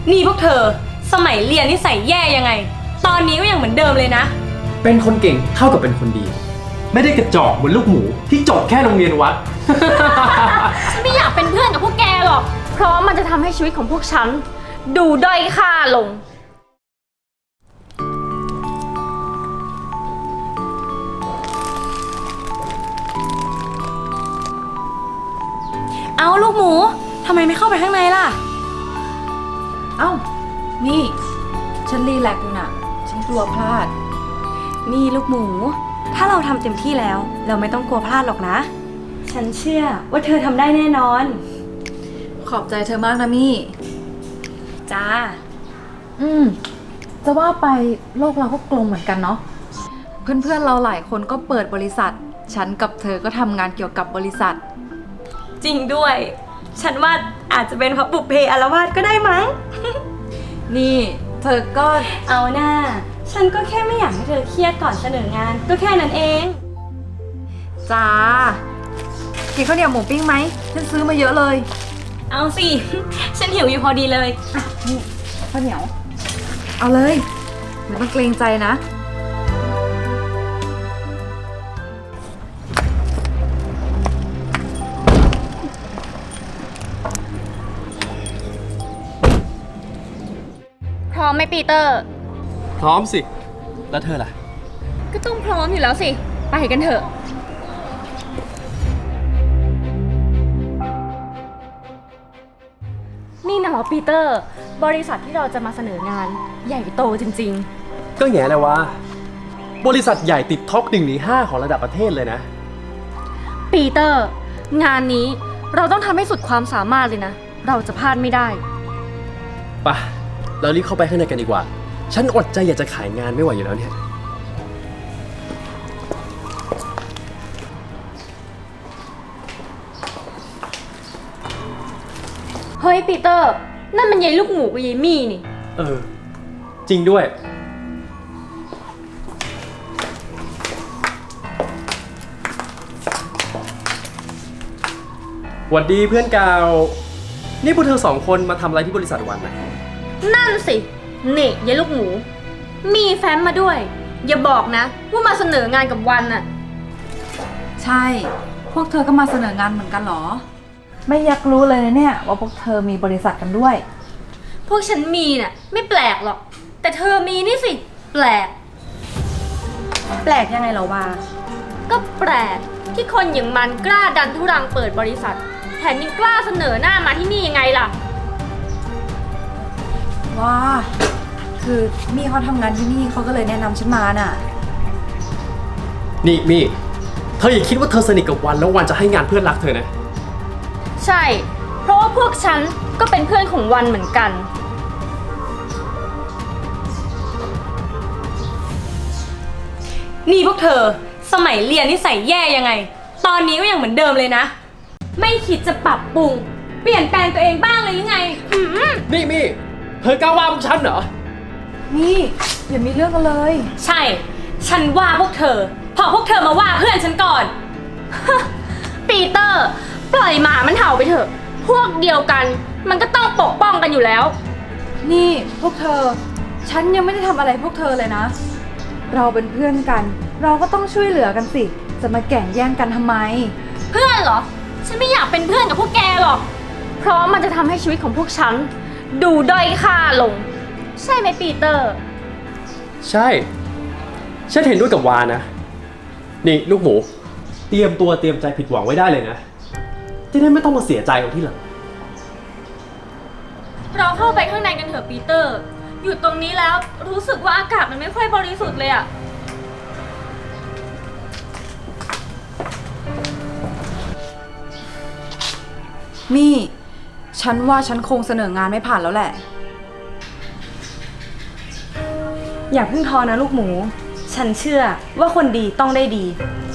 นี่พวกเธอสมัยเรียนนี่ใส่แย่ยังไงตอนนี้ก็ยังเหมือนเดิมเลยนะเป็นคนเก่งเท่ากับเป็นคนดีไม่ได้กระจอกเหมือนลูกหมูที่จบแค่โรงเรียนวัดฉันไม่อยากเป็นเพื่อนกับพวกแกหรอกเพราะมันจะทำให้ชีวิตของพวกฉันดูด้อยค่าลงเอาลูกหมูทำไมไม่เข้าไปข้างในล่ะเอ้านี่ฉันรีแลกซ์อยู่น่ะฉันกลัวพลาดนี่ลูกหมูถ้าเราทำเต็มที่แล้วเราไม่ต้องกลัวพลาดหรอกนะฉันเชื่อว่าเธอทำได้แน่นอนขอบใจเธอมากนะมี่จ้าจะว่าไปโลกเราก็กลมเหมือนกันเนาะเพื่อนๆเราหลายคนก็เปิดบริษัทฉันกับเธอก็ทำงานเกี่ยวกับบริษัทจริงด้วยฉันว่าอาจจะเป็นเพราะบุพเพอาละวาดก็ได้มั้งนี่เธอก็เอาหน้าฉันก็แค่ไม่อยากให้เธอเครียดก่อนเสนองานก็แค่นั้นเองจ้ากินข้าวเหนียวหมูปิ้งไหมฉันซื้อมาเยอะเลยเอาสิ ฉันหิวอยู่พอดีเลยนี่ข้าวเหนียวเอาเลยไม่ต้องเกรงใจนะพร้อมไหมปีเตอร์พร้อมสิแล้วเธอล่ะก็ต้องพร้อมอยู่แล้วสิไปกันเถอะนี่นะเหรอปีเตอร์บริษัทที่เราจะมาเสนองานใหญ่โตจริงก็แง่เลยว่าบริษัทใหญ่ติดท็อป1 ใน 5ของระดับประเทศเลยนะปีเตอร์งานนี้เราต้องทำให้สุดความสามารถเลยนะเราจะพลาดไม่ได้ป่ะเรารีบเข้าไปข้างในกันดีกว่าฉันอดใจอยากจะขายงานไม่ไหวอยู่แล้วเนี่ยเฮ้ยปีเตอร์นั่นมันยายลูกหมูกับยายมี่นี่จริงด้วยหวัดดีเพื่อนเก่านี่พวกเธอ2 คนมาทำอะไรที่บริษัทวันนะนั่นสินี่ยายลูกหมูมีแฟ้มมาด้วยอย่าบอกนะว่ามาเสนองานกับวันน่ะใช่พวกเธอก็มาเสนองานเหมือนกันเหรอไม่อยากรู้เลยนะเนี่ยว่าพวกเธอมีบริษัทกันด้วยพวกฉันมีน่ะไม่แปลกหรอกแต่เธอมีนี่สิแปลกยังไงเหรอวาก็แปลกที่คนอย่างมันกล้าดันทุรังเปิดบริษัทแถมยังกล้าเสนอหน้ามาที่นี่ยังไงล่ะว้าคือมี่เขาทำงานที่นี่เขาก็เลยแนะนำฉันมาน่ะนี่มี่เธออย่าคิดว่าเธอสนิทกับวันแล้ววันจะให้งานเพื่อนรักเธอนะใช่เพราะว่าพวกฉันก็เป็นเพื่อนของวันเหมือนกันนี่พวกเธอสมัยเรียนนี่ใส่แย่ยังไงตอนนี้ก็ยังเหมือนเดิมเลยนะไม่คิดจะปรับปรุงเปลี่ยนแปลงตัวเองบ้างเลยยังไงนี่มี่เธอกล้าว่าพวกฉันเหรอนี่อย่ามีเรื่องกันเลยใช่ฉันว่าพวกเธอพอพวกเธอมาว่าเพื่อนฉันก่อนปีเตอร์ปล่อยหมามันเห่าไปเถอะพวกเดียวกันมันก็ต้องปกป้องกันอยู่แล้วนี่พวกเธอฉันยังไม่ได้ทำอะไรพวกเธอเลยนะเราเป็นเพื่อนกันเราก็ต้องช่วยเหลือกันสิจะมาแข่งแย่งกันทำไมเพื่อนเหรอฉันไม่อยากเป็นเพื่อนกับพวกแกหรอกเพราะมันจะทำให้ชีวิตของพวกฉันดูด้อยค่าลงใช่ไหมปีเตอร์ใช่ฉันเห็นด้วยกับวานะนี่ลูกหมูเตรียมตัวเตรียมใจผิดหวังไว้ได้เลยนะจะได้ไม่ต้องมาเสียใจเอาที่หลังเราเข้าไปข้างในกันเถอะปีเตอร์อยู่ตรงนี้แล้วรู้สึกว่าอากาศมันไม่ค่อยบริสุทธิ์เลยอะมี่ฉันว่าฉันคงเสนองานไม่ผ่านแล้วแหละอย่าเพิ่งท้อนะลูกหมูฉันเชื่อว่าคนดีต้องได้ดี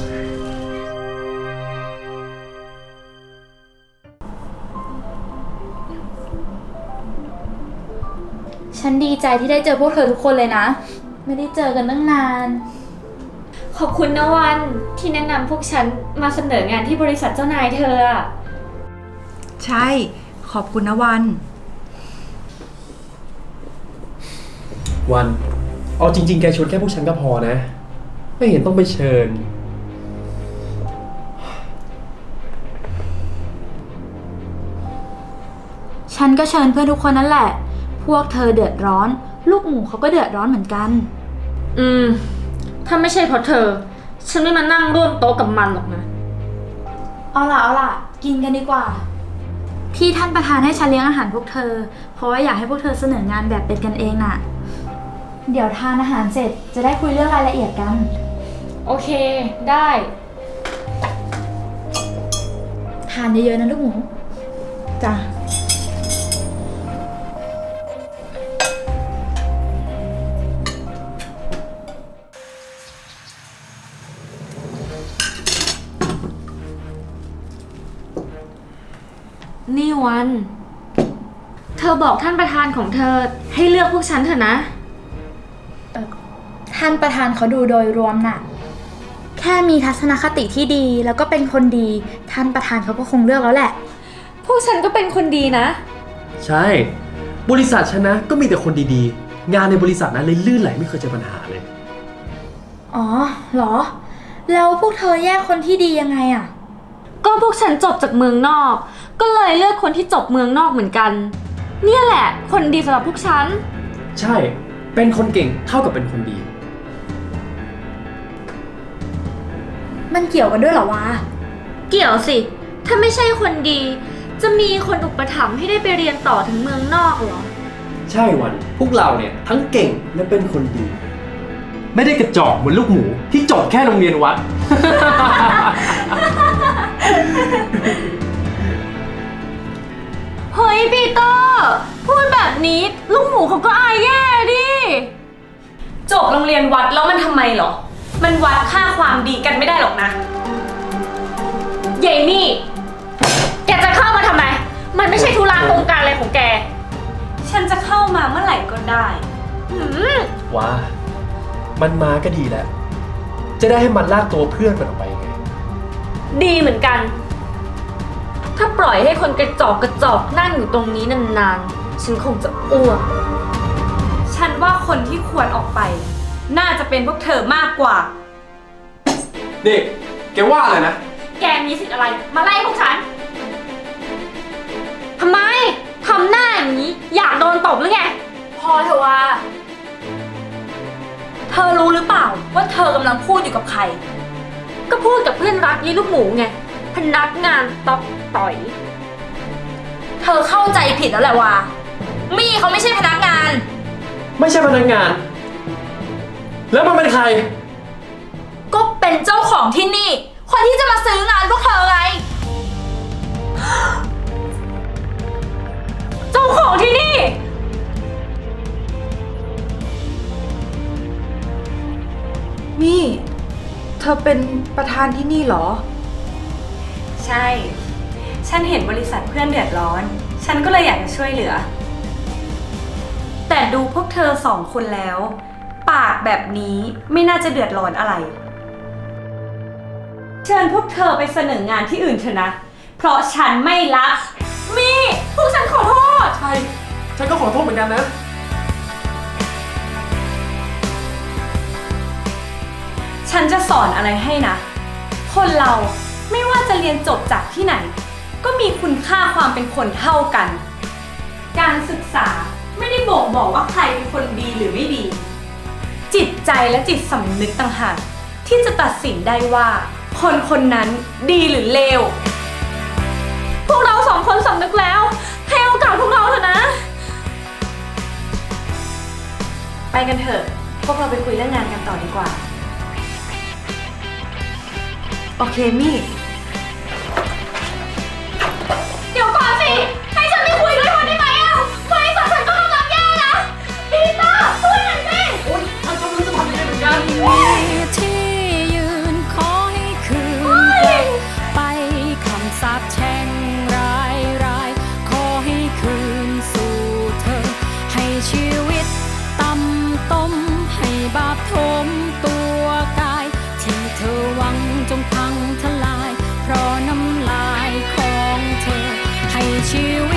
ฉันดีใจที่ได้เจอพวกเธอทุกคนเลยนะไม่ได้เจอกันตั้งนานขอบคุณนะวันที่แนะนำพวกฉันมาเสนองานที่บริษัทเจ้านายเธอใช่ขอบคุณนะวันวัน เอาจริงๆ แกชวนแค่พวกฉันก็พอนะ ไม่เห็นต้องไปเชิญฉันก็เชิญเพื่อนทุกคนนั่นแหละ พวกเธอเดือดร้อน ลูกหมูเขาก็เดือดร้อนเหมือนกันถ้าไม่ใช่เพราะเธอ ฉันไม่มานั่งร่วมโต๊ะกับมันหรอกนะเอาล่ะ กินกันดีกว่า ที่ท่านประธานให้ฉันเลี้ยงอาหารพวกเธอ เพราะว่าอยากให้พวกเธอเสนองานแบบเป็นกันเองน่ะ เดี๋ยวทานอาหารเสร็จจะได้คุยเรื่องรายละเอียดกันโอเค ได้ทานเยอะๆนะลูกหมูจ้ะนี่วัน เธอบอกท่านประธานของเธอให้เลือกพวกฉันเถอะนะท่านประธานเขาดูโดยรวมน่ะ แค่มีทัศนคติที่ดีแล้วก็เป็นคนดี ท่านประธานเขาก็คงเลือกแล้วแหละพวกฉันก็เป็นคนดีนะใช่ บริษัทฉันนะก็มีแต่คนดีๆ งานในบริษัทนั้นเลยลื่นไหลไม่เคยเจอปัญหาเลยอ๋อเหรอ แล้วพวกเธอแยกคนที่ดียังไงอะก็พวกฉันจบจากเมืองนอก ก็เลยเลือกคนที่จบเมืองนอกเหมือนกัน เนี่ยแหละ คนดีสำหรับพวกฉันใช่ เป็นคนเก่งเท่ากับเป็นคนดีมันเกี่ยวกันด้วยเหรอวะเกี่ยวสิ ถ้าไม่ใช่คนดี จะมีคนอุปถัมภ์ให้ได้ไปเรียนต่อถึงเมืองนอกเหรอใช่วัน พวกเราเนี่ยทั้งเก่งและเป็นคนดี ไม่ได้กระจอกเหมือนลูกหมูที่จบแค่โรงเรียนวัดเฮ้ยปีเตอร์ พูดแบบนี้ลูกหมูเขาก็อายแย่ดิจบโรงเรียนวัดแล้วมันทำไมเหรอ มันวัดค่าความดีกันไม่ได้หรอกนะเยมี่ แกจะเข้ามาทำไม มันไม่ใช่ธุระโครงการอะไรของแกฉันจะเข้ามาเมื่อไหร่ก็ได้ว้า มันมาก็ดีแล้ว จะได้ให้มันลากตัวเพื่อนมันออกไปไงดีเหมือนกัน ถ้าปล่อยให้คนกระจอกนั่งอยู่ตรงนี้นานๆ ฉันคงจะอ้วกฉันว่าคนที่ควรออกไป น่าจะเป็นพวกเธอมากกว่านี่ แกว่าอะไรนะแกมีสิทธิ์อะไร มาไล่พวกฉัน ทำไม ทำหน้าอย่างนี้ อยากโดนตบหรือไงพอเถอะว่าเธอรู้หรือเปล่าว่าเธอกำลังพูดอยู่กับใครก็พูดกับเพื่อนรักยี่ลูกหมูไง พนักงานตอกต่อยเธอเข้าใจผิดแล้วแหละว่ามี่เขาไม่ใช่พนักงานไม่ใช่พนักงาน แล้วมันเป็นใครก็เป็นเจ้าของที่นี่ คนที่จะมาซื้องานพวกเธอไงเจ้าของที่นี่มี่ เธอเป็นประธานที่นี่เหรอใช่ ฉันเห็นบริษัทเพื่อนเดือดร้อน ฉันก็เลยอยากจะช่วยเหลือ แต่ดูพวกเธอสองคนแล้ว ปากแบบนี้ไม่น่าจะเดือดร้อนอะไร เชิญพวกเธอไปเสนองานที่อื่นเถอะนะ เพราะฉันไม่รับ มี่พวกฉันขอโทษใช่ ฉันก็ขอโทษเหมือนกันนะฉันจะสอนอะไรให้นะ คนเราไม่ว่าจะเรียนจบจากที่ไหน ก็มีคุณค่าความเป็นคนเท่ากัน การศึกษาไม่ได้บ่งบอกว่าใครเป็นคนดีหรือไม่ดี จิตใจและจิตสำนึกต่างหากที่จะตัดสินได้ว่า คนคนนั้นดีหรือเลวพวกเราสองคนสำนึกแล้ว ให้โอกาสพวกเราเถอะนะไปกันเถอะ พวกเราไปคุยเรื่องงานกันต่อดีกว่าโอเคมี่เดี๋ยวก่อนสิ ให้ฉันไปคุยด้วยคนได้ไหมอ่ะบริษัทฉันก็กำลังแย่นะปีเตอร์ช่วยหน่อยสิฉันก็ไม่รู้จะทำยังไงเหมือนกันที่ยืนขอให้คืนไปคำสาปแช่งรายขอให้คืนสู่เธอ ให้ชีวิตต่ำต้มให้บาปทมตัวกาย ที่เธอหวังจงพังทลาย เพราะน้ำลายของเธอ ให้ชี